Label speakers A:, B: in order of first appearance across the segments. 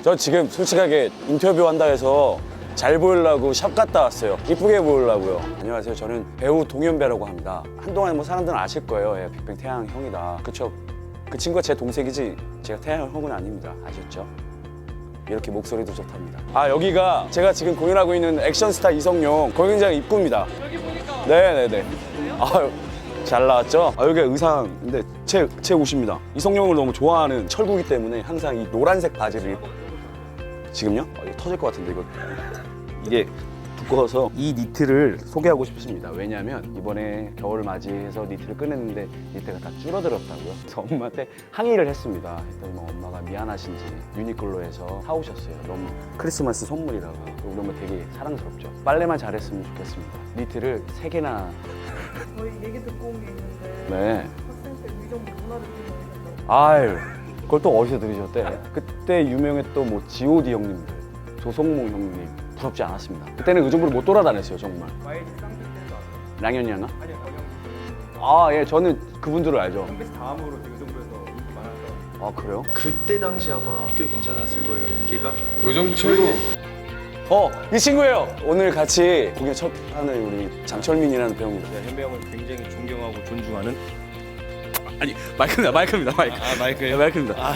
A: 저 지금 솔직하게 인터뷰 한다 해서 잘 보이려고 샵 갔다 왔어요. 이쁘게 보이려고요. 안녕하세요. 저는 배우 동현배라고 합니다. 한동안 뭐 사람들은 아실 거예요. 예, 빅뱅 태양 형이다. 그쵸? 그 친구가 제 동생이지 제가 태양 형은 아닙니다. 아셨죠? 이렇게 목소리도 좋답니다. 아, 여기가 제가 지금 공연하고 있는 액션스타 이성용 공연장 입구입니다.
B: 여기 보니까
A: 네네네. 아유, 잘 나왔죠? 아, 여기가 의상인데 제 옷입니다. 이성용을 너무 좋아하는 철구기 때문에 항상 이 노란색 바지를 지금요? 이거 터질 것 같은데 이게 두꺼워서 이 니트를 소개하고 싶습니다. 왜냐하면 이번에 겨울을 맞이해서 니트를 꺼냈는데 니트가 다 줄어들었다고요. 그래서 엄마한테 항의를 했습니다. 했더니 뭐 엄마가 미안하신지 유니클로에서 사오셨어요. 너무 크리스마스 선물이라고. 우리 엄마 되게 사랑스럽죠. 빨래만 잘했으면 좋겠습니다. 니트를 3개나.
B: 저희 얘기 듣고 온 게 있는데
A: 네.
B: 학생 때 의정부 문화를 보면서
A: 아유, 그걸 또 어디서 들으셨대? 그때 유명했던 뭐 G.O.D 형님들, 조성모 형님 부럽지 않았습니다. 그때는 의정부를 못 돌아다녔어요, 정말.
B: YG 쌍둥이 때도 아세요?
A: 랑현이 양아?
B: 아니요, 영영
A: 아, 예, 저는 그분들을 알죠.
B: MBC 다음으로 의정부에서 인기 많았던
A: 아, 그래요?
C: 그때 당시 아마 꽤 괜찮았을 거예요, 인기가.
D: 의정부 최고.
A: 이 친구예요. 오늘 같이 공연 첫 하는 우리 장철민이라는 배우입니다.
D: 현배 형을 굉장히 존경하고 존중하는. 아니 마이크입니다. 마이크.
A: 네, 마이크입니다.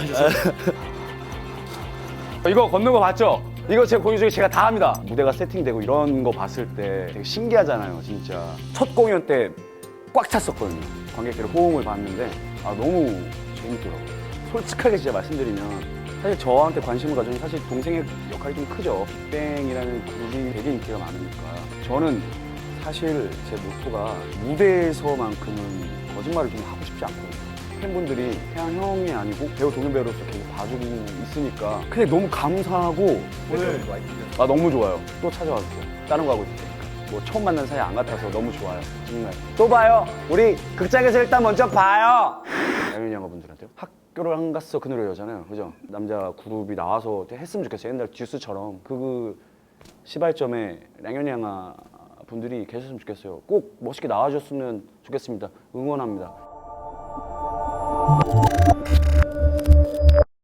A: 이거 걷는 거 봤죠? 이거 제 공연 중에 제가 다 합니다. 무대가 세팅되고 이런 거 봤을 때 되게 신기하잖아요, 진짜. 첫 공연 때 꽉 찼었거든요. 관객들의 호응을 봤는데 너무 재밌더라고요. 솔직하게 진짜 말씀드리면 사실 저한테 관심을 가져온 사실 동생의 역할이 좀 크죠. 빅뱅이라는 그룹이 되게 인기가 많으니까. 저는 사실 제 모토가 무대에서만큼은 거짓말을 좀 하고 싶지 않거든요. 팬분들이 태양 형이 아니고 배우 동현배우로서 계속 봐주고 있으니까 그냥 너무 감사하고 오늘 너무 좋아요. 또 찾아와주세요. 다른 거 하고 있을 테니까. 뭐 처음 만난 사이 안 같아서 너무 좋아요. 정말. 또 봐요. 우리 극장에서 일단 먼저 봐요. 양현이 형아분들한테요. 학교를 안 갔어 그 노래잖아요. 그죠? 남자 그룹이 나와서 했으면 좋겠어요. 옛날 듀스처럼 그 시발점에 량현이 형아 분들이 계셨으면 좋겠어요. 꼭 멋있게 나와줬으면 좋겠습니다. 응원합니다.